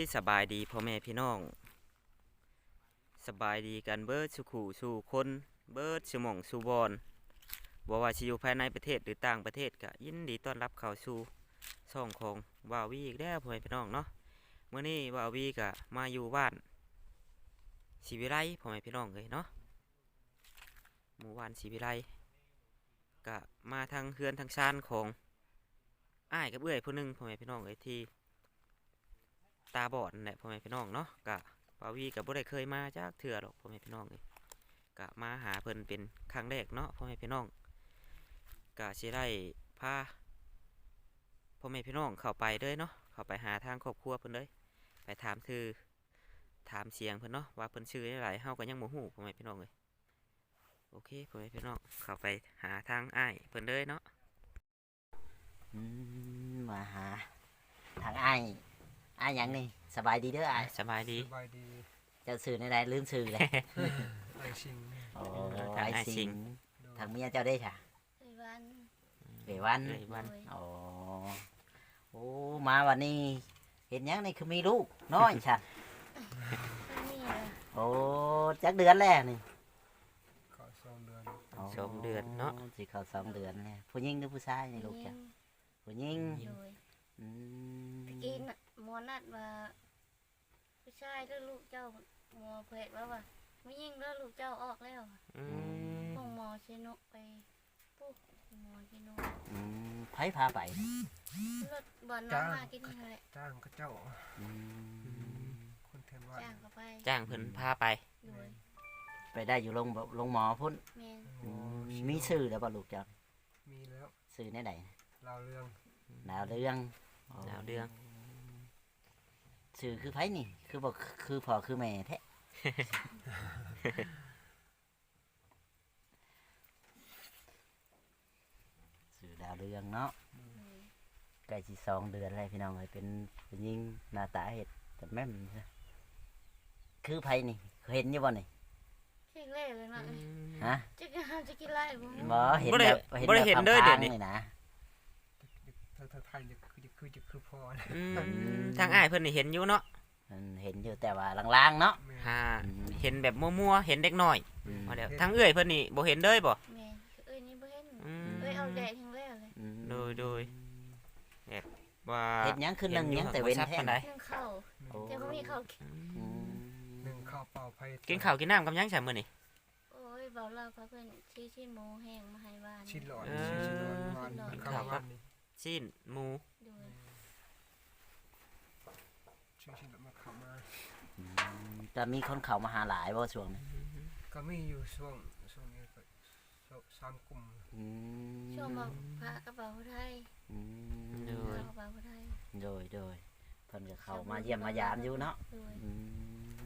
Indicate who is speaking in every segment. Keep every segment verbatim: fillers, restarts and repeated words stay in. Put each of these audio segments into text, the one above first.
Speaker 1: สบายดีพ่อแม่พี่น้องสบายดีกันเบิดสุขูสู่คนเบิดสมองสู่บอนบ่ว่าสิอยู่ภายในประเทศหรือต่างประเทศก็ยินดีต้อนรับเข้าสู่ช่องของวาวีอีกแล้วพ่อแม่พี่น้องเนาะเมื่อนี้วาวีก็มาอยู่บ้านศรีวิไลพ่อแม่พี่น้องเลยเนาะหมู่บ้านศรีวิไลก็มาทางเฮือนทางชานของอ้ายกับเอื้อยผู้หนึงพ่อแม่พี่น้องเลยที่ตาบอดนั่นแหละพ่อแม่พี่น้องเนาะกะปาวีกับบ่ได้เคยมาจากเถื่อหรอกพ่อแม่พี่น้องเลยกะมาหาเพิ่นเป็นครั้งแรกเนาะพ่อแม่พี่น้องกะสิได้พาพ่อแม่พี่น้องเข้าไปเด้อเนาะเข้าไปหาทางครอบครัวเพิ่นเลยไปถามคือถามเสียงเพิ่นเนาะว่าเพิ่นชื่ออะไรเฮาก็ยังบ่ฮู้พ่อแม่พี่น้องเลยโอเคพ่อแม่พี่น้องเข้าไปหาทางอ้ายเพิ่นเลยเนาะ
Speaker 2: อืมมาหาทางอ้ายอ้ายหยังนี่สบายดีเด้ออ้าย
Speaker 1: สบายดี
Speaker 3: สบายดี
Speaker 2: เจ้าสื่อในใดลืมสื่อเลย
Speaker 3: ไอชิง
Speaker 2: โอ้
Speaker 1: ทาง
Speaker 2: อ้าย
Speaker 1: อ้าย
Speaker 2: สิ
Speaker 1: สิ
Speaker 2: ง
Speaker 1: ง
Speaker 2: ทางเมียเจ้าได้ค่ะ
Speaker 4: ไอ้วัน
Speaker 2: เววัน
Speaker 1: เอ้ยวัน
Speaker 4: โดย
Speaker 2: โอ้โอ้มาวันนี้เห็นหยังนี่คือมีลูกน้อยฉัน
Speaker 4: ไม่มีเลย
Speaker 2: โอ้จักเดือนแล้วนี่
Speaker 3: ก็สองเดือน
Speaker 1: สองเดือนเนาะ
Speaker 2: โสิเข้าสองเดือนแล้วผู้หญิงหรือผู้ชายนี่ลูกจ้ะผู้หญิง
Speaker 4: โดย
Speaker 2: อืม
Speaker 4: ตะกี้น่ะหมอนัดว่าผู้ชายแล้วลูกเจ้าหมอเผยว่าว่าไม่ยิ่งแล้วลูกเจ้าออกแล้ว
Speaker 1: อืม
Speaker 4: ห้องหมอเชนกไปปุ๊บหมอเชนก
Speaker 2: อืมไผพาไป
Speaker 4: รถบอลน้องมากินนี่แหละ
Speaker 3: จ้างก็เจ้า
Speaker 2: อืม
Speaker 3: คนแทนว่า
Speaker 4: จ้างเขาไป
Speaker 1: จ้างเพิ่นพาไป
Speaker 4: โดย
Speaker 2: ไปได้อยู่โรงโรงหมอพุ่น
Speaker 4: แมน
Speaker 2: อืมมีชื่อแล้วบ่ลูกจ้ะ
Speaker 3: มีแล้ว
Speaker 2: ชื่อในใด
Speaker 3: เราเรื่อง
Speaker 2: ดาวเรือง
Speaker 1: ดาวเรือง
Speaker 2: ชื่อคือไผนี่ คือบอกคือพ่อคือแม่แท้ ชื่อดาวเรืองเนาะ
Speaker 4: โดย
Speaker 2: ใกล้สิสองเดือนแล้วพี่น้องเอ้ยเป็นผู้หญิงหน้าตาเห็ดแต่แม่นซะคือไผนี่เห็นอยู่บ่นี่
Speaker 4: เข่งเล่เลยนะ
Speaker 2: ฮะ
Speaker 4: จะกินห้ามจะกินไรบ่รู้
Speaker 2: บ่เห็น
Speaker 1: บ่ได้
Speaker 2: แบบ
Speaker 1: บ่ได้เห็นเด้อเดี๋ยวนี้
Speaker 2: พางๆนี่นะ
Speaker 3: ทางทางไทยจะคือจะคือจะคือพอนะ
Speaker 1: อืมทางอ้ายเพิ่นนี่เห็นอยู่เนาะ
Speaker 2: มันเห็นอยู่แต่ว่าลางๆเนาะ
Speaker 3: แม่
Speaker 1: ฮาเห็นแบบมั่วๆเห็นเด็กน้อย
Speaker 2: อืม
Speaker 1: มาแล้วทางเอื้อยเพิ่นนี่บ่เห็นเลยบ่
Speaker 4: แมนเอ้ยนี่บ่เห็น
Speaker 1: อืม
Speaker 4: เอ้ยเอาแดดทั้งแล้วเลย
Speaker 2: อืม
Speaker 1: โดยโดย ว่า
Speaker 2: เห็ดหยังคือหนึ่งหยังแต่เว้น
Speaker 1: ชัด
Speaker 2: แท้
Speaker 1: ปานใด
Speaker 4: นึ่งข้าว
Speaker 2: โอ้
Speaker 4: แต่บ่มีข้าวกิน
Speaker 2: อืม
Speaker 3: หนึ่งข้าวเปล่าไผ่
Speaker 1: กินข้าวกินน้ำกับหยังใช่มื้อนี่
Speaker 4: โอ้ยเบาเราเขาเพิ่นชี้ชิ้นหมูแห้งมาให้บ้าน
Speaker 3: ชิ้นหลอด
Speaker 1: เออ
Speaker 3: ชิ้นหลอดวันข้าววันนี่
Speaker 1: ชิ้นหมู
Speaker 4: โดย
Speaker 3: ชิ้นชิ้นมาขับมา
Speaker 2: อืมจะมีคนเข้ามาหาหลายบ่ช่วงนี้
Speaker 3: ก็มีอยู่ช่วงช่วงนี้ก็สามกลุ่ม
Speaker 2: อืม
Speaker 4: ช่วงมาพระกระเป๋าไทย
Speaker 2: อืม
Speaker 1: โด
Speaker 4: พ
Speaker 1: ย
Speaker 4: ระกระเป๋าไทย
Speaker 2: โดยโดยเพิ่นก็เข้ามาเยี่ยมมายามอยู่เนาะ
Speaker 4: โดย
Speaker 2: อืม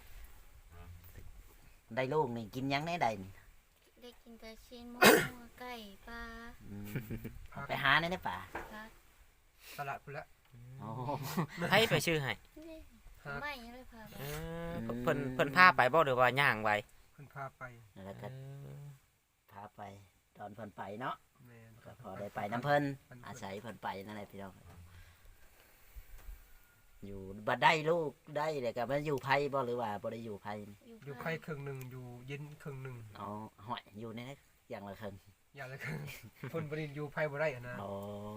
Speaker 2: ได้ลูกนี่กินหยังได้ใดนี่
Speaker 4: ได้กินแต่ชิ้นหมูไก่ปลา
Speaker 2: อืม
Speaker 3: พัก
Speaker 2: ไปหาในในป่า
Speaker 4: ผัก
Speaker 3: ตลาดไปแล้ว
Speaker 2: โอ้
Speaker 1: ให้ไปชื่อให้
Speaker 4: นี่
Speaker 3: พัก
Speaker 4: ไม่เลยพาไป
Speaker 1: เออเพิ่นเพิ่นพาไปบ่หรือว่าย่างไป
Speaker 3: เพิ่นพาไป
Speaker 2: แล้วก็พาไปตอนเพิ่นไปเนาะ
Speaker 3: แม่
Speaker 2: ก็พอได้ไปน้ำเพิ่นอาศัยเพิ่นไปนั่นแหละพี่น้องอยู่บัดได้ลูกได้เลยก็มันอยู่ไผบ่หรือว่าบ่ได้อยู่ไผนี่
Speaker 3: อยู่ไข่ครึ่งหนึ่งอยู่เย็นครึ่งหนึ่ง
Speaker 2: อ๋อหอยอยู่ในนั้นอย่างละครึ่ง
Speaker 3: อย่างละครึ่งเพิ่นบริอยู่ไผ่บ่ได้อะนะ
Speaker 2: อ๋อ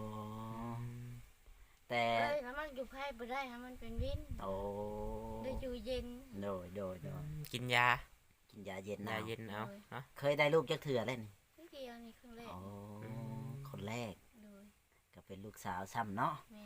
Speaker 2: แต่
Speaker 4: เอ้ยแล้วมันอยู่ไพ่บ่ได้ฮะมันเป็นวิน
Speaker 2: โอ้
Speaker 4: ได้อยู่เย็น
Speaker 2: โดยโดยโดย
Speaker 1: กินยา
Speaker 2: กินยาเย็น
Speaker 1: ยา
Speaker 2: นะ
Speaker 1: เย็นเอาเนาะ
Speaker 2: เคยได้ลูกจักเถื่อเลยนี่
Speaker 4: นิดเดียวนี่ครึ่งแรก
Speaker 2: อ๋อคนแรก
Speaker 4: โดย
Speaker 2: ก็เป็นลูกสาวซ้ำเนาะ
Speaker 4: แม่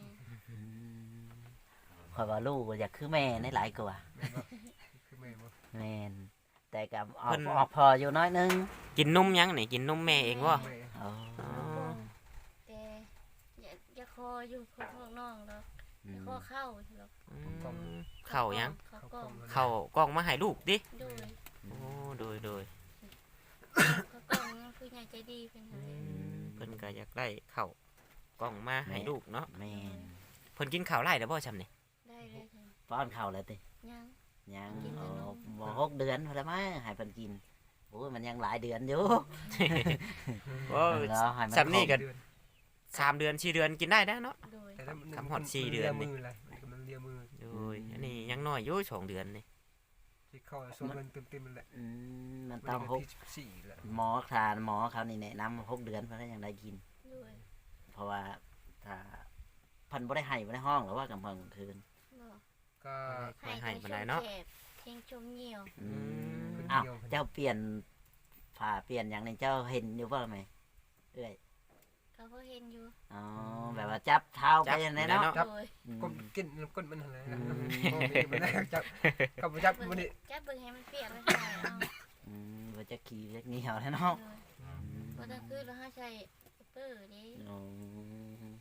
Speaker 2: คอยว่าลูกอยากคือแม่ในหลายกว่า
Speaker 3: แม่นบ่คือแม่บ่
Speaker 2: แม่นแต่กับออกออกพออยู่น้อยนึง
Speaker 1: กินนมยังนี่กินนมแม่เองบ่
Speaker 3: แม่
Speaker 2: อ๋อ
Speaker 1: อ๋อ
Speaker 4: แต่อย่าอย่าคออยู่พวกพวกน้องหรอก
Speaker 2: อื
Speaker 4: อย่าม คอเข้าหรอก
Speaker 1: อืมเข้ายัง
Speaker 4: เขากล้อง
Speaker 1: เข้ากล้องมาให้ลูกดิ
Speaker 4: โดย
Speaker 1: โอ้โดยโดย
Speaker 4: เขากล้องนั่นคือใหญ่ใจดีเป็นอะไร
Speaker 1: เพิ่นก็อยากได้เข้ากล้องมาให้ลูกเนาะ
Speaker 2: แม่น
Speaker 1: เพิ่นกินข้าวไร่แล้วบ่ซำนี่
Speaker 4: ได้เลยจ้ะ
Speaker 2: ป้อนข้าวแล้วติ
Speaker 4: ยัง
Speaker 2: ยัง
Speaker 4: กินแต่
Speaker 2: อ๋อน
Speaker 4: ม
Speaker 2: บ่หกเดือนพอแล้วมั้งให้เพิ่นกินโอ้ยมันยังหลายเดือนอยู่
Speaker 1: โอ้
Speaker 2: เนาะให้มัน
Speaker 1: สำนี่ก็
Speaker 3: เดือน
Speaker 1: สามเดือนสี่เดือนกินได้แล้วเนาะ
Speaker 4: โดย
Speaker 3: แต่ถ้ามัน
Speaker 1: ทำฮอดสี่เดือนนี่
Speaker 3: มือเลยมันเลีลียมือ
Speaker 1: โดยอันนี้ยังน้อยอยู่สองเดือนนี่
Speaker 3: ที่เข้าสองเดือนเต็มๆนั่นแหละ
Speaker 2: อืมมัน
Speaker 3: มัน
Speaker 2: ต้อง
Speaker 3: เป็น
Speaker 2: หก
Speaker 3: ที่สิบสี่แหละ
Speaker 2: หมอทานหมอเขานี่แนะนำหกเดือนเพิ่นก็ยังได้กิน
Speaker 4: ด้วย
Speaker 2: เพราะว่าถ้าเพันบ่ได้ให้บ่ได้ห้องหรือว่ากำเพิ่งกลางคืน
Speaker 4: บ่
Speaker 3: ก็
Speaker 1: ค่อยให้ปานใดเนาะ
Speaker 4: เพลงชมเหี่ยว
Speaker 2: อืม
Speaker 3: คน
Speaker 2: อ้าว
Speaker 3: เดียว
Speaker 2: เจ้าเปลี่ยนผ้าเปลี่ยนอย่างนี้เจ้าเห็นอยู่บ่ไหมเอ้ย
Speaker 4: เขาก็เห็นอยู่
Speaker 2: อ๋อแบบว่าจับเท้าไปอย่างนี้เนาะ
Speaker 1: จับ
Speaker 4: โดย
Speaker 2: อืม
Speaker 3: ก้นกินก้นมันอะไร
Speaker 2: อื
Speaker 3: นะ
Speaker 2: ม
Speaker 3: โอ้ยมันแรกจับกับจับมันนี่
Speaker 4: จับเบิ่งให้มันเปียกแล้วใส่เอา
Speaker 2: อืมว่าจะขี่เล็กเหนียวแล้วเนาะ
Speaker 4: โดยบ่ต้องคือเราหาใช้เปื้อเด้
Speaker 2: อืม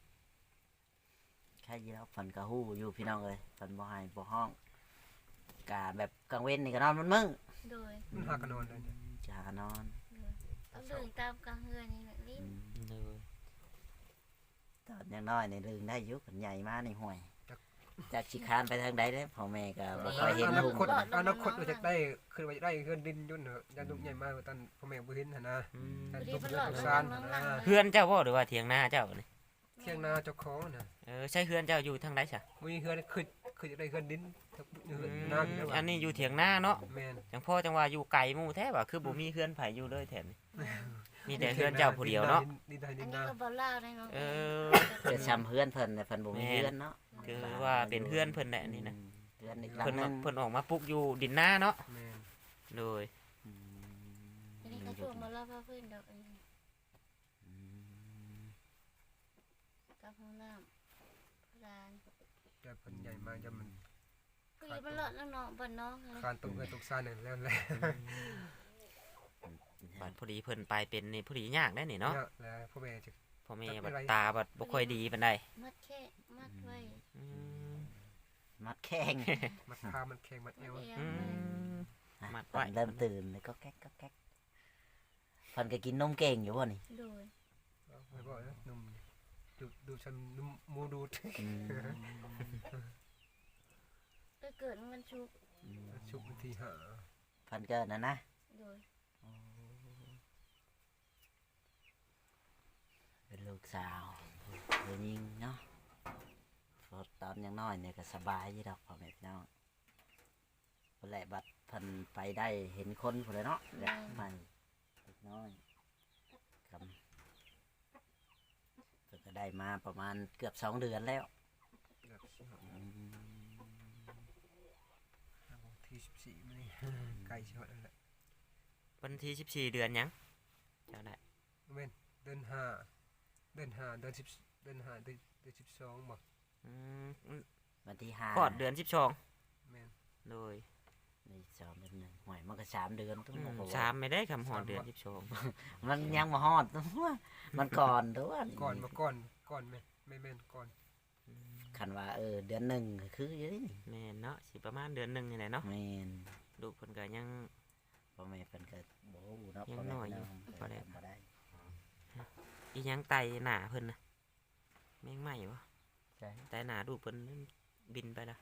Speaker 2: แค่ยีแล้วฝันกะฮู้อยู่พี่น้องเลยฝันบ่ให้บ่ห้องกะแบบกลางเว้นนี่ก็นอนมันมึง
Speaker 4: โดย
Speaker 3: มันหากันนอนเลยเนี่ย
Speaker 2: จะหานอน
Speaker 4: โดยต้องเบิ่งตามกลางเฮือนนี่แหละลิ้
Speaker 2: อื
Speaker 4: น
Speaker 2: ม
Speaker 1: โดย
Speaker 2: ตอนยังน้อยนี่ลืมได้อยุคใหญ่มากในห่วย จากชิคานไปทางใดเด้อพ่อแม่ก็บ่ค่อยเห็น
Speaker 3: อนา
Speaker 2: หุ่ง
Speaker 3: คตอนาคตเราจะได้คือว่าจะได้เงินดินยุ่นเหรอยันลูกใหญ่มากตอนพ่อแม่บ่เห็นหั่นนะ
Speaker 1: อืม
Speaker 3: ยัน
Speaker 4: ดี
Speaker 3: ลูก
Speaker 4: มัน
Speaker 3: เดื
Speaker 4: หล
Speaker 3: อ
Speaker 4: อด
Speaker 3: ด
Speaker 4: มัน
Speaker 3: ซาน
Speaker 4: หลัง
Speaker 3: นะ
Speaker 4: ๆ
Speaker 1: เฮือนเจ้าบ่หรือว่าเถียงนาเจ้านี่
Speaker 3: เที่ยงนาเจ้าของน่ะ
Speaker 1: เออใช่เฮือนเจ้าอยู่ทางใดซะ
Speaker 3: มีเฮือนคือคือจะได้เงินดินถ้าเฮื
Speaker 1: อื
Speaker 3: อน
Speaker 1: ม
Speaker 3: นาอยู่แล้ว
Speaker 1: อันนี้อยู่เถียงนาเนาะ
Speaker 3: แม่น
Speaker 1: จังพ่อจังว่าอยู่ไกลหมู่แท้ว่าคือบ่มีเฮือนไผอยู่เลยแท้นี่มีแต่เฮือนเจ้าผู้เดียวเนาะ
Speaker 3: ดินได้
Speaker 4: อั
Speaker 3: ดิ
Speaker 4: น
Speaker 3: น
Speaker 4: นี้
Speaker 3: นา
Speaker 4: ก็บ่เล่าได้เนาะ
Speaker 1: เออ
Speaker 2: เกิดช้ำเพื่อนเพิ่นแต่เพิ่นบ่มีเพื่อนเนาะ
Speaker 1: คือว่าเป็นเฮือนเพิ่นแหละนี่นะ
Speaker 2: อืมเพื่อนอีกหลัง
Speaker 1: เพิ่น
Speaker 2: หนึ
Speaker 1: มาง เพิ่นออกมาปลูกอยู่ดินนาเนาะ
Speaker 3: แม่น
Speaker 1: โดย
Speaker 2: อืม
Speaker 4: อันนี้ก็ช่วงบ่เล่าพาเพิ่นดอกอันนี้
Speaker 2: อืม
Speaker 4: กับห้องน้ำร้าน
Speaker 3: จะเพิ่นใหญ่มากจะมัน
Speaker 4: ก็อยู่มันหลอดแล้วเนาะบ้านน้องเลย
Speaker 3: คานตกเงินตกซานนั่นแล้วแหละ
Speaker 1: บัดพอดีเพิ่นไปเป็นนี่พอดียากได้นี่เนาะ
Speaker 3: เนี่ยแล้วพ่อแม่จะ
Speaker 1: พ่อแม่
Speaker 3: จับ
Speaker 1: บั
Speaker 3: ไม่
Speaker 1: ด
Speaker 3: ไร
Speaker 1: ตาบัดบ่ค่อยดีปานใด
Speaker 4: มัดแค่มัดไว้
Speaker 1: อืม
Speaker 2: มัดแข้ง
Speaker 3: มัดขามันแข็งมัดเอ
Speaker 4: มัด
Speaker 3: ว
Speaker 4: เอว
Speaker 1: อื
Speaker 4: ไว้
Speaker 1: ม มัด
Speaker 2: ต
Speaker 1: ไว้
Speaker 2: อนเริ่มตื่นเลยก็แก๊กก็แก๊กเพิ่นก็กินนมเก่งอยู่บ่นี่
Speaker 4: โดย
Speaker 3: ไม่บอกนะนุ่มดูดูฉันนุ่มมูดูด
Speaker 2: อืม
Speaker 4: ก็เกิดมันชุก
Speaker 2: อืม
Speaker 3: ชุบนาทีหา
Speaker 2: เพิ่นเกิดนะนะ
Speaker 4: โดย
Speaker 2: เป็นลูกสาวผู้หญิงเนาะพอตอนยังน้อยเนี่ยก็สบายอยู่ดอกพ่อแม่พี่น้องเพิ่นแหละบัดเพิ่นไปได้เห็นคนพุ่นเลยเนาะแบบใหม่เล็กน้อยครับเพิ่นก็ได้มาประมาณเกือบสองเดือนแล้ว
Speaker 3: แบบสิบ
Speaker 2: อืม
Speaker 3: ที่สิบสี่มันนี่ไกลเชียวนั่นแหละ
Speaker 1: วันที่สิบสี่เดือนหยังเจ้าได้
Speaker 3: เว้นเดือนห้าเดือนห้าเดือนสิบเดือนห้าเดือนเดือนสิบสองบอก
Speaker 1: อืม
Speaker 2: วันที่ห้า
Speaker 1: คลอดเดือนสิบสอง
Speaker 3: แม่น
Speaker 1: โดย
Speaker 2: นี่สองเดือนหนึ่งหวยมันก็สามเดือนทุก
Speaker 1: อื
Speaker 2: คน
Speaker 1: ม
Speaker 2: บอก
Speaker 1: สา
Speaker 2: ว่าม
Speaker 1: ไม่ได้คำหอดเดือนสิบสอง
Speaker 2: มันยังมาฮอดตัวมันก่อนตัว
Speaker 3: ก่อนมาก่อนก่อนแม่ไม่แม่นก่อน
Speaker 2: คันว่าเออเดือนหนึ่งก็คืออยู่นี่
Speaker 1: แม่นเนาะสิประมาณเดือนหนึงนี่แหละเนาะ
Speaker 2: แม่น
Speaker 1: ลูกเพิ่นก็ยัง
Speaker 2: พ่อแม่เป็นก็บ่ฮู้เนาะ
Speaker 1: ยัง
Speaker 2: พ่อแม่
Speaker 1: น้อยอยู่
Speaker 2: เพิ่น
Speaker 1: บ่ได้
Speaker 2: บ่ได้
Speaker 1: อีหยังไตหนาเพิ่นน่ะแม่งไหม้บ่
Speaker 2: ใช่
Speaker 1: ไตหนาลูกเพิ่นบินไปละ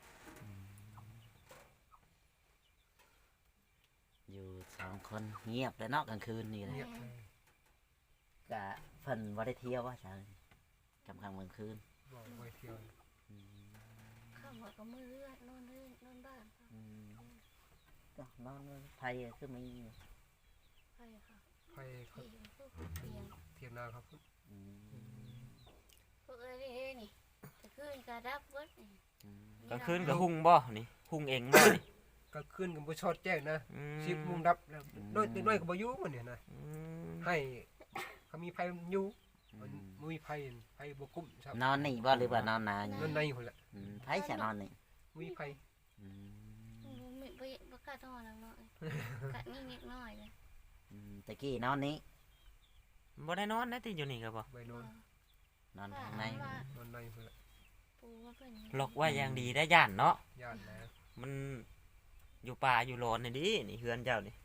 Speaker 2: อยู่สองคนเงียบเลยเนาะกลางคืนนี่แหละ
Speaker 3: เงียบเลย
Speaker 2: กะเพิ่นบ่ได้เที่ยวว่าจังกำกลางกลางคืน
Speaker 3: บอกไว้เที่ยว
Speaker 2: อืม
Speaker 4: ข้าวหัวก็มือเลือดนอนเลือดนอนบ้านค่ะ
Speaker 2: อืมก็นอนไทยคือมีอยู่
Speaker 4: ไปค่ะ
Speaker 3: ไปเขา
Speaker 4: ที่พวกเตียง
Speaker 3: เทียนนาครับ
Speaker 2: อืม
Speaker 4: พวกเอ้ยนี่นี่จะขึ้นกระดับเบิดนี่
Speaker 2: อืม
Speaker 1: กลางคืนก็หุ่งบ่นี่หุ่งเองบ่นี่
Speaker 3: ก็ขึ้นกับบุชอดแจ้งนะ
Speaker 1: อืม
Speaker 3: สิบโมงดับแล้วน้อยน้อยกับบอยุมันเนี่ยนะ
Speaker 1: อืม
Speaker 3: ให้เขามีไฟอยู่
Speaker 2: อื
Speaker 3: มัน
Speaker 2: ม
Speaker 3: มีไฟไฟบกุ้มครับ
Speaker 2: นอนนี่บ่หรือว่านอนนาอยู่
Speaker 3: นั่นในคนละ
Speaker 2: อืมไผจะนอนนี่
Speaker 3: มีไฟ
Speaker 2: อืม
Speaker 4: บ่มีบ่บ่กล้าทอดแล้วเนาะกะนี่นิดหน่อยเลย
Speaker 2: อืมตะกี้นอนนี้
Speaker 1: บ่ได้นอนนะติอยู่นี่ก็บ่
Speaker 3: ใบนอน
Speaker 2: นอนข้างใน
Speaker 3: นอนในคนละ
Speaker 4: ปูว่าเพิ่น
Speaker 1: ล็อกไว้อย่างดีได้ย่านเนาะ
Speaker 3: ญาติแล้ว
Speaker 1: มันอยู่ป่าอยู่ร้อนนี่ดินี่เฮือนเจ้านี่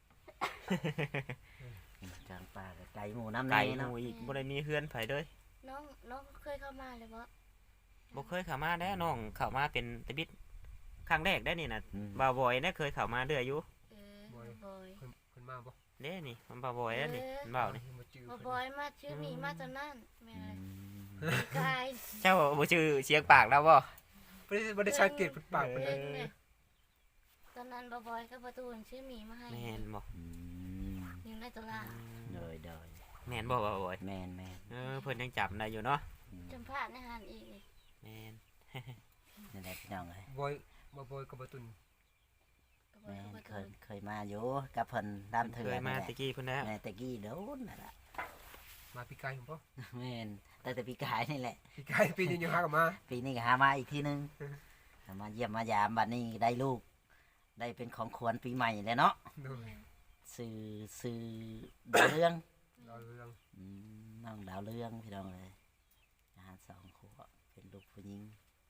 Speaker 2: กลางป่าก็ไกลหมู่น้ำ
Speaker 1: ไกล
Speaker 2: ใน
Speaker 1: ห
Speaker 2: เนาะ
Speaker 1: มู่อีกบ่ได้มีเฮือนไผเลย
Speaker 4: น้องน้องเคยเข้ามาเลยบ่
Speaker 1: บ่เคยเข้ามาได้น้องเข้ามาเป็นตะบิดครั้งแรกได้นี่น่ะ
Speaker 2: อืม
Speaker 1: บ่าวบอยนะเคยเข้ามาเรื่อยอยู่
Speaker 4: เออบ่บ่อย
Speaker 3: คนคนมาบ่
Speaker 1: เด้นี่มันบ่าวบอยแล้วนี่มันบ่าวนี่
Speaker 3: มาจื้อ
Speaker 4: บ่บ่อยมาชื่อมีมาตอนนั้นแม่
Speaker 2: อื
Speaker 4: เลย
Speaker 2: ม
Speaker 4: กาย
Speaker 1: เจ้าบ่ชื่อเสียงปากแล้วบ่
Speaker 3: เพิ่บ่ได้บ่ได้สังเกตเพิ่นปากเพิ่น
Speaker 4: เอ
Speaker 3: เลย
Speaker 4: อตอนนั้นบ่บอยกับประตูชื่อหมีมาให้
Speaker 1: แม่นบ่
Speaker 2: อืม
Speaker 4: อยู่ในตัวลา
Speaker 2: โดยโดย
Speaker 1: แม่นบ่บ่บ่อย
Speaker 2: แม่นแม่น
Speaker 1: เออเพิ่นยังจำได้อยู่เนาะ
Speaker 2: อืม
Speaker 4: จำพลาดในหันอีก
Speaker 1: แม่น
Speaker 2: นั่นแหละพี่น้องเอ้ย
Speaker 3: บอยบ่บอยกับบ่ตุน
Speaker 4: ก็บอ
Speaker 2: แม่
Speaker 4: ยกับ
Speaker 2: น
Speaker 4: ประ
Speaker 2: เค
Speaker 4: ตู
Speaker 2: ยเคยมาอยู่กับเพิ่นดำ
Speaker 1: เค
Speaker 2: เถื่อย น
Speaker 1: มา
Speaker 2: นั่นแหละ
Speaker 1: ตะกี้เพิ่นแล้ว
Speaker 2: แม่ตะกี้โดนนั่นล่ะ
Speaker 3: มาปีกายผมบ่
Speaker 2: แม่นแต่แต่ปีกายนี่แหละ
Speaker 3: ปีกายปีนี้ยังหากับมา
Speaker 2: ปีนี้ก็หามาอีกทีนึงมาเยี่ยมมายามบัดนี้ได้ลูก ได้เป็นของขวัญปีใหม่แล้วเนาะ
Speaker 3: โดย
Speaker 2: ซื้อซื้อดาวเรือง
Speaker 3: เราเรื่อง
Speaker 2: อืมน้องดาวเรืองพี่น้องเลยอาหารสองขวบเป็นลูกผู้หญิง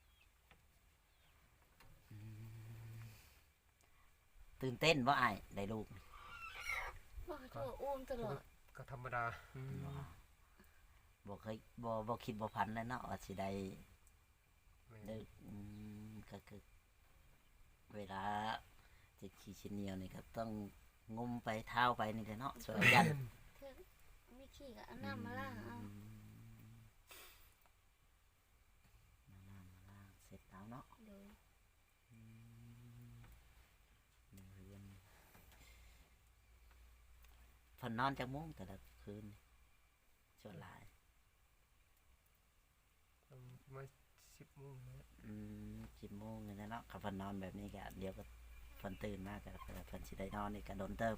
Speaker 2: อืมตื่นเต้นว่าไอ้ายได้ลูก
Speaker 4: บ่โทรอุ้มตลอด
Speaker 3: ก็ธรรมดา
Speaker 1: อืม
Speaker 2: บ่เคยบ่บ่คิดบ่พันเลยเนาะว่าสิได้
Speaker 3: แม่น
Speaker 2: ได้อืมก็คือเวลาจิตขี้ชิ้นเหนียวนี่ก็ต้องงมไปเท้าไปนี่แหละเนาะสวยยัน
Speaker 4: เธอไม่ขี้ก็เอาน้ำมาล้างเอา
Speaker 2: อืมน้ำมาล้างเสร็จแล้วเนาะ
Speaker 4: โดย
Speaker 2: อืมเรียนเพิ่นนอนจักโมงแต่ละคืนส่วนหลาย
Speaker 3: มาสิบโมงแล้ว
Speaker 2: อืมสิบโมงนี่แหละเนาะถ้าเพิ่นนอนแบบนี้ก็เดี๋ยวก็เพิ่นตื่นมาก็เพิ่นสิได้นอนนี่ก็โดนเติบ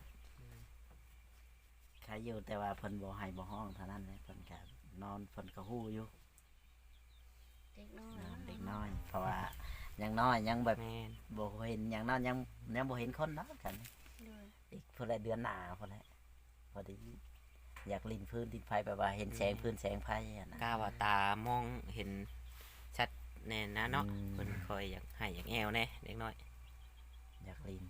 Speaker 2: ใครอยู่แต่ว่าเพิ่นบ่ให้บ่ห้องเท่านั้นแหละเพิ่นก็นอนเพิ่นก็ฮู้อยู่
Speaker 4: เด็กน้อย
Speaker 2: นอนเด็กน้อย เพราะว่ายังน้อยยังแบบ
Speaker 1: แม่น
Speaker 2: บ่เห็นอย่างนั้นยังยังบ่เห็นคนเนาะกัน
Speaker 4: โดย
Speaker 2: อีกเพิ่นละเดือนหน้าเพิ่นแหละพอดีอยากลินพื้นดินไฟแบบว่าเห็นแสงพื้นแสงไฟอะนะ
Speaker 1: กล้าว่าตามองเห็นชัดแน่นะเนาะ
Speaker 2: อืม
Speaker 1: เพิ่นคอยอยากให้อยากแอวแน่เด็กน้อย
Speaker 2: อยากลิน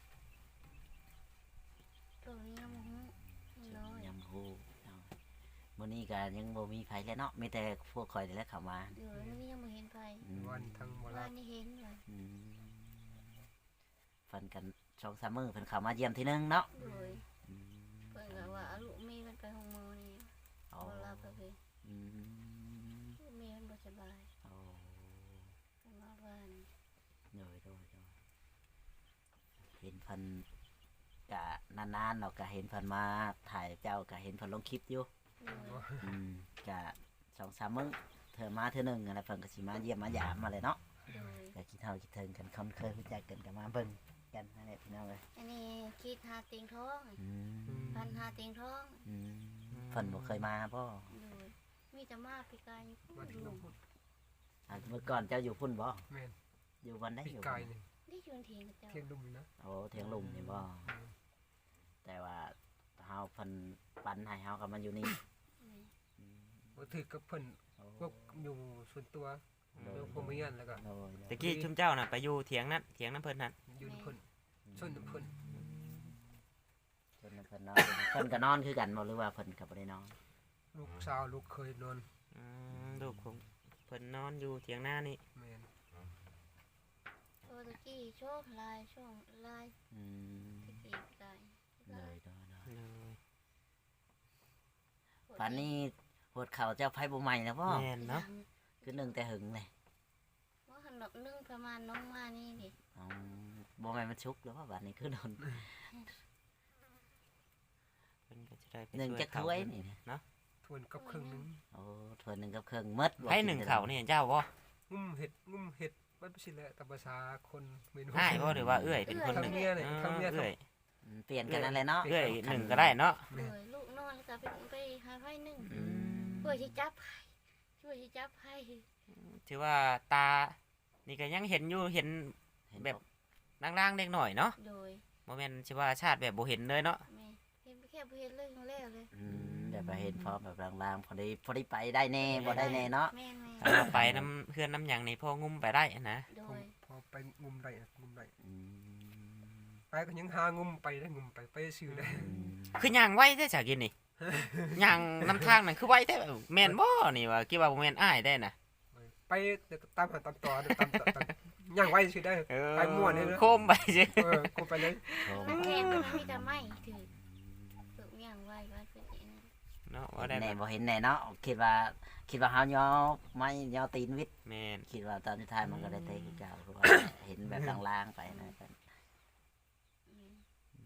Speaker 4: ตัวนี้ยังบ่ฮู้น้อย
Speaker 2: ยังฮู้เอามื้อนี้ก็ยังบ่มีไผแล้วเนาะมีแต่พวกข่อยนี่แหละเข้ามา
Speaker 4: เดี๋ยวนี้ยังบ่เห็นไผ
Speaker 2: อืม
Speaker 3: วันทั้งบ่
Speaker 4: ว่า
Speaker 3: รับ
Speaker 4: นี่เห็นว่า
Speaker 2: อืมฟันกันสองสามมื้อเพิ่นเข้ามาเยี่ยมทีนึงเนาะ
Speaker 4: โดย
Speaker 2: อืม
Speaker 4: เพิ่นก็ว่าเอาลูกมีมันไปห้องหมอนี่
Speaker 2: เอา
Speaker 4: บ่รับก็คือ
Speaker 2: อืม
Speaker 4: ลูกมีมันบ่สบาย
Speaker 2: เอา
Speaker 4: เพิ่นว่าว่านี่
Speaker 2: โดยโดยโดยเห็นเพันกะนานๆเราก็เห็นเพันมาถ่ายเจ้าก็เห็นเพันลงคลิปอยู่
Speaker 4: โดย
Speaker 2: อืมกะสองสามมื้อเธอมาเธอหนึ่งอะไรเพิ่นก็สิมาเยี่ยมมาหยามมาเลยเนาะ
Speaker 4: โดย
Speaker 2: ก็คิดเท่าคิดถึงกันคนเคยรู้จักกันก็มาเบิ่งกันนั่นแหละพี่น้องเลย
Speaker 4: อันนี้คิดหาติงท้อง
Speaker 2: อืม
Speaker 4: พันหาติงท้อง
Speaker 2: อืมเพิ่นบ่เคยมาบ่
Speaker 4: โดยมีแต่มาปีกายอยู่พุ่
Speaker 3: มาน ถึง
Speaker 4: ลุง
Speaker 3: น้ำพุ
Speaker 2: อ่ะเมื่อก่อนเจ้าอยู่พุ่นบ่
Speaker 3: แม่น
Speaker 2: อยู่วันได้
Speaker 3: ปี
Speaker 2: อยู่
Speaker 3: กายนี่
Speaker 4: นี่ชวนเถียงกับเจ้า
Speaker 3: เที่ยงดุมนี่นะ
Speaker 2: โอ้เทียงลุมนี่บ่แต่ว่าเฮาเพิ่นปันให้เฮาก็มาอยู่นี่
Speaker 4: นี่
Speaker 2: อืม
Speaker 3: บ่ถือกับเพิ่น
Speaker 2: โอ้
Speaker 3: พวกอยู่ส่วนตัว
Speaker 2: โด
Speaker 3: เรื่
Speaker 2: ย
Speaker 3: องพวกมีเงินแล้วก็
Speaker 2: โดยโดย
Speaker 1: ตะกี้ชุมเจ้าน่ะไปอยู่เถียงนั้นเถียงนั้นเพิ่นนั่น
Speaker 3: อยู่นำเพิ่นส่วนนำเพิ่น
Speaker 2: เพิ่นเพิ่นนอนเพิ่นก็นอนคือกันบ่หรือว่าเพิ่นก็บ่ได้นอน
Speaker 3: ลูกสาวลูกเคยนอน
Speaker 1: อืมลูกของเพิ่นนอนอยู่เถียงหน้านี่
Speaker 3: แม่น
Speaker 4: โอ้ตะกี้โชคลายช่วงลาย
Speaker 2: อืม
Speaker 4: ตะกี้ปีกาย
Speaker 2: เลยโดยโดย
Speaker 1: เลย
Speaker 2: ป่านนี้ปวดเข่าเจ้าไผบ่ใหม่แล้วบ่
Speaker 1: แม่นเนาะ
Speaker 2: คือหนึ่งแต่หึงเลย
Speaker 4: ว่าขนมนึ่งประมาณน้องมานี่ดิ
Speaker 2: อ๋อบ่แม่นมันชุกแล้วว่าบัดนี้คือโดน
Speaker 1: เพิ่นก็จะได้ไป
Speaker 2: หนึ่ง
Speaker 1: ช่วย
Speaker 2: จัก
Speaker 1: เขา
Speaker 2: ถ้วย
Speaker 1: เพิ่น
Speaker 2: นี่นะ
Speaker 1: เนาะ
Speaker 3: ทวนกับครึ่งหนึง
Speaker 2: โอ้ถ้วยหนึงกับเครื่องหมดบ่
Speaker 1: ให้หนึ่งเขานี่เจ้าบ่
Speaker 3: งุ่มเห็ดงุ่มเห็ดมันบ่สิแหละตามภาษาคนเมนู
Speaker 1: ง่ายบ่หรือว่าเอื้อยเป็นคนหนึ่ง
Speaker 3: ทำเมียเนี่ย
Speaker 1: อ๋อ
Speaker 3: ทำเมีย
Speaker 1: เอื้อย
Speaker 2: อืมเปลี่ยนกันนั่นแหละเนาะ
Speaker 1: เอื้อยหนึ่งก็ได้เนาะ
Speaker 4: โดยลูกนอนแล้วก็ไปไปหาไพ่หนึ่ง
Speaker 2: อืม
Speaker 4: เพื่อที่จับไพ่ช่วยที่จับไพ่
Speaker 1: ถือว่าตา นี่ก็ยังเห็นอยู่เห็น
Speaker 2: เห็น
Speaker 1: แบบ ล่างๆเล็กหน่อยเนาะ
Speaker 4: โดย
Speaker 1: บ่แม่นสิว่าชาติแบบบ่เห็นเลยเนาะ
Speaker 4: แม่เห็นแค่เห็นเลยครั้งแรกเลย
Speaker 2: อืมแบบว่าเห็นพร้อมแบบลางๆพอดีพอดีไปได้แน่บ่ได้แน่เนาะ
Speaker 4: แม่แม่
Speaker 1: ถ้าว่าไปน้ำเพื่อนน้ำหยังนี่พองุ้มไปได้นะ
Speaker 4: โด
Speaker 3: พอย พอไปงุ่มได้อะงุ่มได้
Speaker 2: อืม
Speaker 3: ไปก็ยังหางุ่มไปได้งุ่มไปไปซื้อได้
Speaker 2: อืม
Speaker 1: คือย่างไว้แท้จากกินนี่ ย่างน้ำทางนั่นคือไว้แท้แม่นบ่นี่ว่าคิดว่าบ่แม่นอ้ายได้น่ะ
Speaker 3: ไปเดี๋ยวตามหาตามต่อเดี๋ยวตามต่อตามย่างไว้ซื้อได้ ไปม่วนเลยเนอะ
Speaker 1: โคมไปซิ
Speaker 3: เออกูไปเลย
Speaker 2: โอ้
Speaker 4: นักเรียนมันมีแต่ไม่ถือฝึกอย่างไว้ว่าฝึกอย่างนั้น
Speaker 1: อืเนาะว่า
Speaker 2: เห็น
Speaker 1: ได้
Speaker 2: แน่
Speaker 1: ก็
Speaker 2: บ่เห็นแน่เนาะคิดว่าคิดว่าเฮาย่อไม่ย่อตีนวิทย์
Speaker 1: แม่น
Speaker 2: คิดว่าตอนสุดท้ายมันก็ได้เตะคือเก่าเพราะว่าเห็นแบบลางๆไปนะเพิ่น
Speaker 4: อืม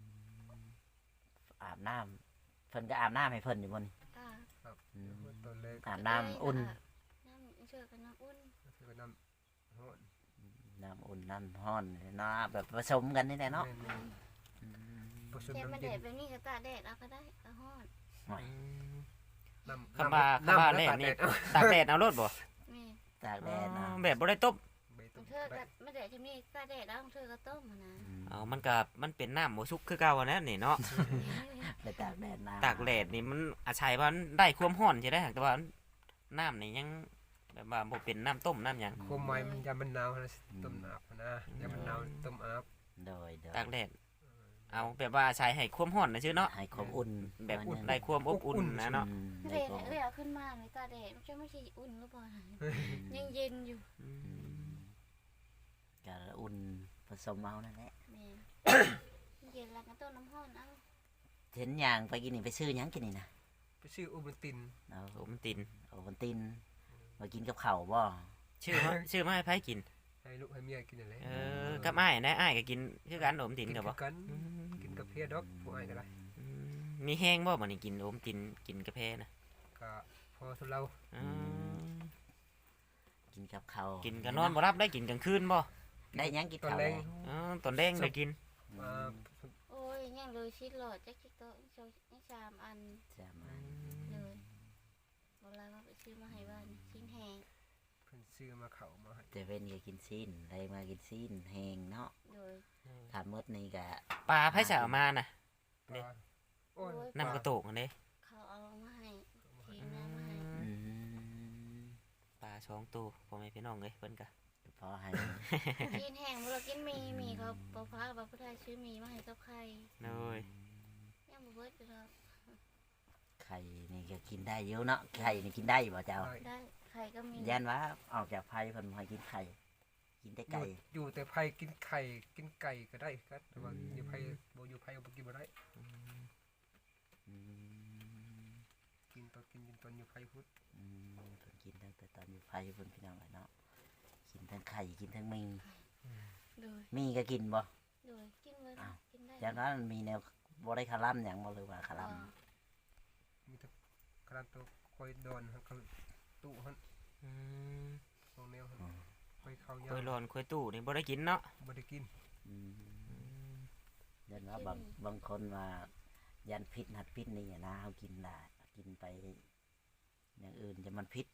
Speaker 2: อาบน้ำเพิ่นก็อาบน้ำให้เพิ่นอยู่บ่นี่
Speaker 4: อ่า
Speaker 2: อืม
Speaker 3: ตอนแรก
Speaker 2: อาบน้ำอุ่น
Speaker 4: น้ำเชื่อกันน้ำอุ่น
Speaker 3: คือว่าน้ำร้อน
Speaker 2: น้ำอุ่นน้ำร้อนเนาะแบบผสมกันนี่แหละเนาะ
Speaker 3: แม่น
Speaker 2: อืม
Speaker 3: ๆผสม
Speaker 4: แค่มา
Speaker 3: น้ำ
Speaker 4: แด
Speaker 3: เย็
Speaker 4: ด
Speaker 3: น
Speaker 4: แบบนี้ก็ตากแดดเอาก็ได้ก็ฮอด
Speaker 2: หน่อย
Speaker 3: น้ำ
Speaker 1: คำว่าคำว่าแรกนี่ตากแดดเอารถบ่
Speaker 4: แม่
Speaker 2: ตากแดดเนาะ
Speaker 1: อ๋อแบบบ่ได้ต้ม
Speaker 3: ใบ
Speaker 4: ข
Speaker 3: ต้
Speaker 4: อง
Speaker 3: ม
Speaker 4: เธอก็มาแดดจะมีตากแดดแล้วของเธอก็ต้มอะนะ
Speaker 2: อืม
Speaker 1: เอามันก็มันเป็นน้ำบ่สุกคือเก่าอะนะนี่เนาะ
Speaker 2: ไปตากแดดน้ำ
Speaker 1: ตากแดดนี่มันอาศัยว่ามันได้ความร้อนใช่ได้แต่ว่าน้ำนี่ยังแบบว่าบ่เป็นน้ำต้มน้ำหยัง
Speaker 3: ความหมายมันยามมันหนาวนะต้มอาบนะยามมันหนาวต้มอาบ
Speaker 2: โดยโดย
Speaker 1: ตากแดดเอาแบบว่าอาศัยให้ความร้อนนะชื่อเนาะ
Speaker 2: ให้ความอุ่น
Speaker 1: แบบ
Speaker 2: หน่อยหนึ่ง
Speaker 1: ได้ความอบอุ่นนะเนาะ
Speaker 2: อืม
Speaker 4: เ
Speaker 2: ได้ความ
Speaker 4: ลยเอาขึ้นมาเลยตากแดดมันจะไม่ใช่อุ่นหรือเปล่ายังเย็นอยู่
Speaker 2: อืมก็อุ่นผสมเอานั่นแหละ
Speaker 4: แม่เย็นแล้วก็ต้มน้ำร้อนเอา
Speaker 2: เห็นอย่างไปกินนี่ไปซื้อหยังกินนี่นะ
Speaker 3: ไปชื่ออุบัติน
Speaker 2: เอา
Speaker 1: โอ้มันติน
Speaker 2: โอวันตินมากินกับข้าวบ่
Speaker 1: ชื่อมาชื่อมาให้ไผกิน
Speaker 3: ให้ลูกให้เมียกินอะไร
Speaker 1: เออกับอ้ายนะอ้ายก็กินคือกันโอมติน
Speaker 3: กิน
Speaker 1: ก็บ่
Speaker 3: กัน
Speaker 1: อืม
Speaker 3: กินกับเพียดอกผู้อ้ายก็ได้
Speaker 1: อืมมีแห้งบ่บัดนี้กินโอมตินกินกาแฟนะ
Speaker 3: ก็พอทุเรา
Speaker 1: อืม
Speaker 2: กินกับข้าว
Speaker 1: กินก็นอนบ่รับได้กินกลางคืนบ่
Speaker 2: ได้หยังกิน
Speaker 3: ตอน
Speaker 2: ข้าว
Speaker 3: แร
Speaker 2: ได้
Speaker 3: ง
Speaker 1: อ๋อตอนแดงได้กิน
Speaker 3: มา
Speaker 4: โอ้ยยังเลยชิดหลอดจักชิโตะอีกสองอีกสามอัน
Speaker 2: จะมา
Speaker 4: เลยบอกเลยว่าไปซื้อมาให้บ้านชิ้นแห้ง
Speaker 3: เพิ่นซื้อมาเข้ามาให้
Speaker 2: แต่เว้นก็กินซีนได้มากินซีนแห้งเนาะ
Speaker 4: เลย
Speaker 2: ถามมดนี่ก็
Speaker 1: ปลาไผสิเอามาน่ะ
Speaker 3: ปลาโอ้ย
Speaker 1: น้ำกระโตกอันนี้
Speaker 4: เขาเอามาให้ทีน้ำมาให้
Speaker 2: อืม
Speaker 1: ปลาสองตัวพ่อแม่พี่น้องเอ้ยเพิ่นก็
Speaker 2: พอให้
Speaker 4: กินแห้งเวลากินมีมีเขาปอฟ้าบาพุทธาซื้อมีมาให้กับไข่
Speaker 1: เลย
Speaker 4: ยังบ่เบิดอยู่แล้ว
Speaker 2: ไข่นี่ก็กินได้เยอะเนาะไข่นี่กินได้บ่เจ้า
Speaker 3: ได้
Speaker 4: ได้ไข่ก็มี
Speaker 2: ยันว่าออกจากไผ่เพิ่นบ่ให้กินไข่ กินแต่
Speaker 3: อยู่
Speaker 2: ไก่
Speaker 3: อยู่แต่ไผกินไข่กินไก่ก็ได้ครับแต่ว่าอยู่ไผบ่อยู่ไผบ่กินบ่ได้
Speaker 2: อืม
Speaker 3: กินตอนกินกินตอนอยู่ไผพุทธ
Speaker 2: อืมเพิ่นกินตั้งแต่ตอนอยู่ไผ่เพิ่นพี่น้องเนาะกินทั้งไข่กินทั้งมี
Speaker 4: เลย
Speaker 2: มีก็กินบ่
Speaker 4: เลยกินเลย
Speaker 2: อ้าว
Speaker 4: กินได้
Speaker 2: ยันว่ามันมีแนวบ่ได้คาร่ำหยังบ่เลยว่าคาร่ำ
Speaker 3: มีแต่กระดานตัวคอยดอนครับเขาตู้หั่น
Speaker 1: อืม
Speaker 3: สองแนวหั่นคอยเข้ายา
Speaker 1: คุยร้อนคุยตู้นี่บ่ได้กินเนาะ
Speaker 3: บ่ได้กิน
Speaker 2: อืมยันว่าบางบางคนว่ายันพิษหัดพิษนี่อะนะเขากินได้กินไป อย่างอื่นจะมันพิษ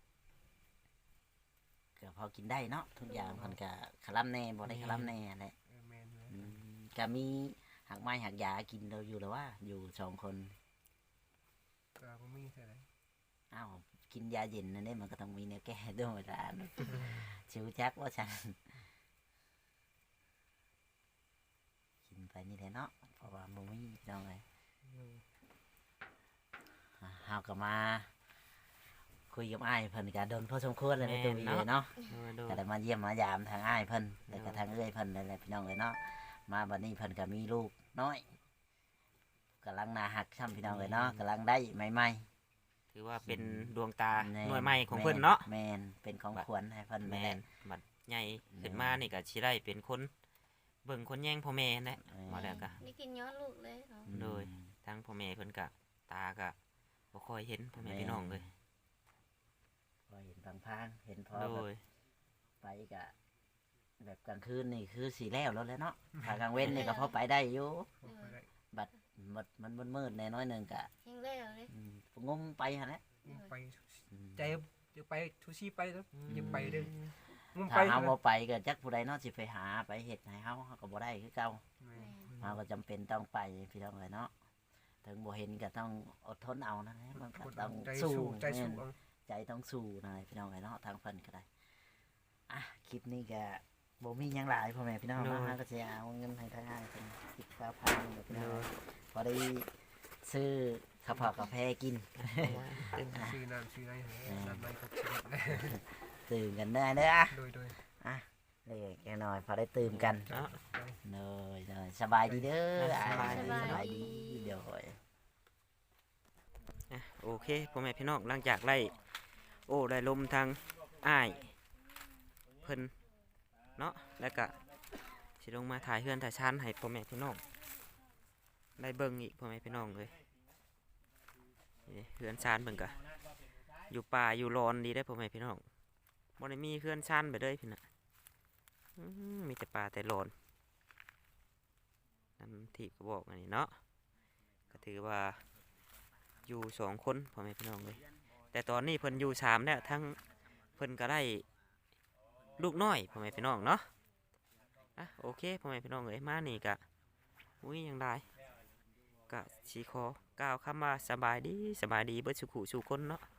Speaker 2: ก็พอกินได้เนาะทุกอย่างมันก็คาร่ำแน่บ่ได้คาร่ำแน่แหละ
Speaker 3: เออแม่นเลย
Speaker 2: อืมก็มีหักไม้หักยากินเราอยู่แล้วว่า อยู่สองคน
Speaker 3: ก็บ่มีเท่าไหร่
Speaker 2: อ้าวกินยาเย็นนั่นเองมันก็ต้องมีแนวแก้ด้วยเวลาชิวจักว่าฉันกินไปนี่แหละเนาะเพราะว่าบ่มีน้องเลยอ่าเฮาก็มา คุยกับอ้ายเพิ่นก็โดนพอสมควรเลยในตัววีเนาะ
Speaker 1: เออโดน
Speaker 2: ก็ได้มาเยี่ยมมายามทางอ้ายเพิ่นแล้วก็ทางเอื้อยเพิ่นนั่นแหละพี่น้องเลยเนาะมาบัดนี้เพิ่นก็มีลูกน้อยกำลังน่าหักช่ำพี่น้องเลยเนาะกำลังได้ใหม่
Speaker 1: ถือว่าเป็นดวงตา
Speaker 2: ๆแม่
Speaker 1: หน่วยใหม่ของเพิ่นเนาะ
Speaker 2: แม่นเป็นของขวัญให้เพิ่น
Speaker 1: แม่
Speaker 2: แม่
Speaker 1: น
Speaker 2: น
Speaker 1: บัดใหญ่ขึ้นมานี่ก็สิได้เป็นคนเบิ่งคนแย่งพ่อแม่นั่นแหละ
Speaker 2: เออ
Speaker 1: มาแล้วก็
Speaker 4: นี่กินย้อนลูกเลยเขา
Speaker 1: โดย ทั้งพ่อแม่เพิ่นก็ตาก็บ่ค่อยเห็นพ่อแม่พี่น้องเลย
Speaker 2: พอเห็นพังๆเห็นพอ
Speaker 1: โด
Speaker 2: แบบ
Speaker 1: ย
Speaker 2: ไปกะแบบกลางคืนนี่คือสีแล้วแล้วแหละเนาะถ้ากลางเว้นนี่ก็พอไปได้อยู่
Speaker 3: บ่ค่อยได้
Speaker 2: บัดหมดมันมืดๆแน่น้อยหนึงกะ
Speaker 4: แห้งแล้วเลย
Speaker 2: อืมงมไปหั่นแหละ
Speaker 3: มุ่งไป
Speaker 2: อืม
Speaker 3: ใจจะไปทุซี่ไปแล้วอย่าไปเด้อมุ่ง
Speaker 2: ถ้า
Speaker 3: ไป
Speaker 2: เฮาบ่ไปก็จักผู้ใดเนาะสิไปหาไปเฮ็ดให้เฮาเฮาก็บ่ได้คือเก่า
Speaker 3: แม่
Speaker 4: แม่
Speaker 2: เฮาก็จำเป็นต้องไปพี่น้องเอ้ยเนาะถึงบ่เห็นก็ต้องอดทนเอานั่นแหละมันก็
Speaker 3: กด
Speaker 2: ต้อง
Speaker 3: ใจ
Speaker 2: สู้
Speaker 3: สู้ใจสู้
Speaker 2: แม่น
Speaker 3: เอา
Speaker 2: ใจต้องสู้นายพี่น้องไอ้เนาะทางเพิ่นก็ได้อ่ะคลิปนี้ก็บ่มีหยังหลายพ่อแม่พี่น้องเนาะ
Speaker 1: โดย
Speaker 2: ฮะก็สิเอาเงินให้ทางอ้ายเพิ่นสิบเก้าพันนี่แหละพี่น้องพอได้ซื้อข้าวเผากาแฟกิน
Speaker 3: ซื้อน้ำซื้ออะไรให้น้ำไม่ครบชีวิตเลย
Speaker 2: ตื่นกันได้เด้ออ่ะ
Speaker 3: โดยโดย
Speaker 2: เล็กๆน้อยๆพอได้ตื่นกัน
Speaker 1: เนาะ
Speaker 2: เนยเนยสบายดีเด้อ
Speaker 1: สบาย
Speaker 2: อ้
Speaker 1: ดี
Speaker 2: สบายดีเดี๋ยว
Speaker 1: อ่ะโอเคพ่อแม่พี่น้องหลังจากไล่โอ้ได้ลมทางอ้ายเพิ่นเนาะแล้วก็สิลงมาถ่ายเฮือนถ่ายชานให้พ่อแม่พี่น้องได้เบิ่งอีกพ่อแม่พี่น้องเลยนี่เฮือนชานเบิ่งกะอยู่ป่าอยู่ร้อนดีได้อพ่อแม่พี่น้องบ่ได้มีเฮือนชานไปเลยพี่น่ะอื้อมีแต่ป่าแต่ร้อนน้ำที่ก็บอกอันนี้เนาะก็ถือว่าอยู่สองคนพ่อแม่พี่น้องเลยแต่ตอนนี้เพิ่นอยู่สามแล้วทั้งเพิ่นก็ได้ลูกน้อยพ่อแม่พี่น้องเนาะอ่ะโอเคพ่อแม่พี่น้องเลยมานี่กะอุ้ยยังได้กะสีคอกล่าวคำว่าสบายดีสบายดีเบิดสุขุสู่คนเนาะ